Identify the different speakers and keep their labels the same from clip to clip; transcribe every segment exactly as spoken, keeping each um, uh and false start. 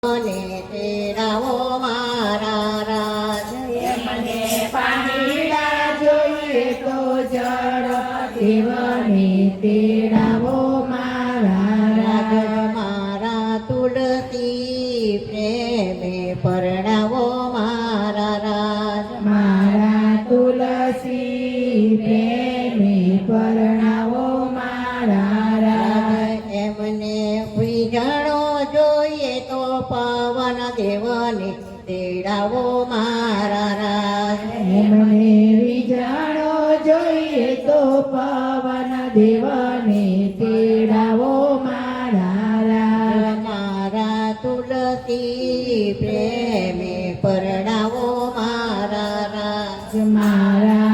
Speaker 1: મને તેડાવો મારા રાજ
Speaker 2: મને પાણીડા જોઈએ તો જળ દેવને તેડાવો મારા
Speaker 1: રાજ
Speaker 2: રાજ
Speaker 1: મારા તુલસી પ્રેમે પરણાવો મારા રાજ
Speaker 2: મારા તુલસી પ્રેમે પરણાવો મારા રાજ
Speaker 1: એમને વિજાણો જોઈએ તો પવન દેવને તેડાવો મારા રાજ
Speaker 2: એમને વિજાણો જોઈએ તો પવન દેવને તેડાવો મારા રાજ
Speaker 1: મારા તુલસી પ્રેમે પરણાવો મારા રાજ
Speaker 2: મારા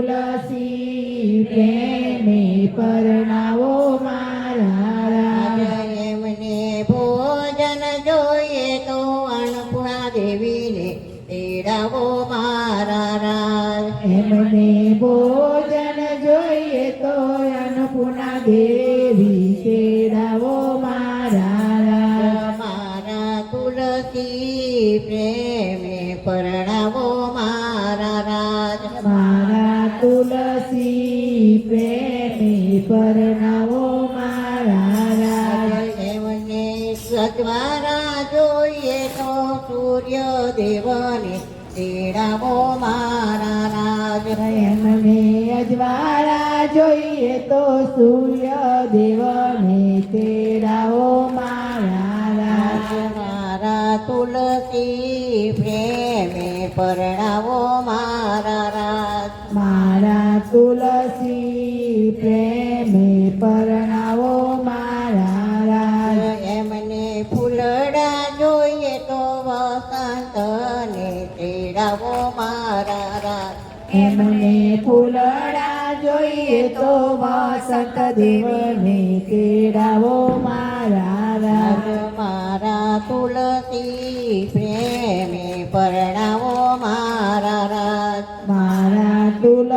Speaker 2: તુલસી પ્રેમે પરણાવો મારા રાજ
Speaker 1: એમને ભોજન જોઈએ તો અન્નપૂર્ણા દેવીને તેડાવો મારા રાજ
Speaker 2: એમને ભોજન જોઈએ તો અન્નપૂર્ણા દેવી તેડાવો મારા રાજ
Speaker 1: મારા તુલસી પ્રેમે પરણાવો મારા રાજ
Speaker 2: મારા તુલસી પ્રેમે પરણાવો મારા રાજ
Speaker 1: એમને સજવારા જોઈએ તો સૂર્ય દેવને તેડાવો મારા રાજ
Speaker 2: એમને અજવાળા જોઈએ તો સૂર્ય દેવને તેડાવો મારા રાજ
Speaker 1: મારા તુલસી પ્રેમે પરણાવો મારા રાજ
Speaker 2: મારા તુલસી પ્રેમે પરણાવો મારા રાજ
Speaker 1: એમને ફૂલડા જોઈએ તો વસંતને તેડાવો મારા રાજ
Speaker 2: એમને ફૂલડા જોઈએ તો વસંત દેવને તેડાવો મારા રાજ
Speaker 1: મારા તુલસી પ્રેમે પરણાવો મારા રાજ
Speaker 2: મારા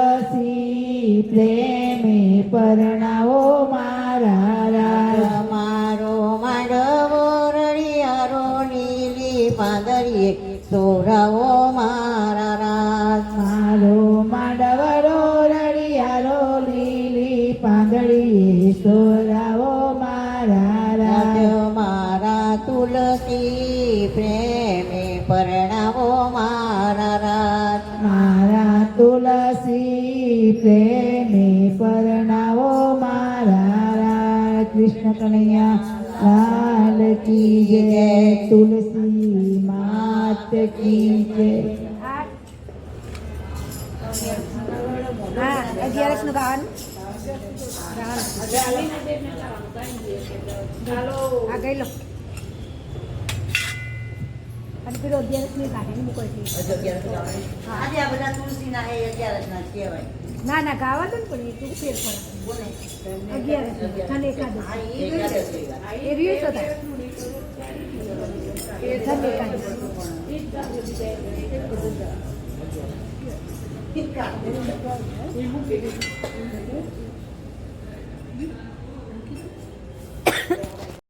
Speaker 2: તુલસી પ્રેમે પરણાવો મારા રાજ
Speaker 1: મારો માંડવો રળિયારો નીલી પાંદરીએ સોરાવો મારા રાજ
Speaker 2: મારો માંડવડો રળિયારો લીલી પાંદડીએ સોરાવો મારા રાજ
Speaker 1: મારા તુલસી પ્રેમે પરણાવો મારા રાજ
Speaker 2: મારા તુલસી પ્રેમે પરણાવો મારા રાજ કૃષ્ણ કનૈયા લાલ કી જય તુલસી માત કી જય
Speaker 3: હા અગિયારસ નું ગાવાનું આ ગઈ લો અને પેલો અગિયારસ ની ગાડી મૂકો
Speaker 1: આજે આ બધા તુલસીના એ અગિયારસના જ કહેવાય.
Speaker 3: ના ના ગાવા દો ને પણ એ તું ફેર પડે અગિયારસ અને એકાદશ એ રહ્યું તો થાય એ ધન એકાદશ
Speaker 1: ઠીક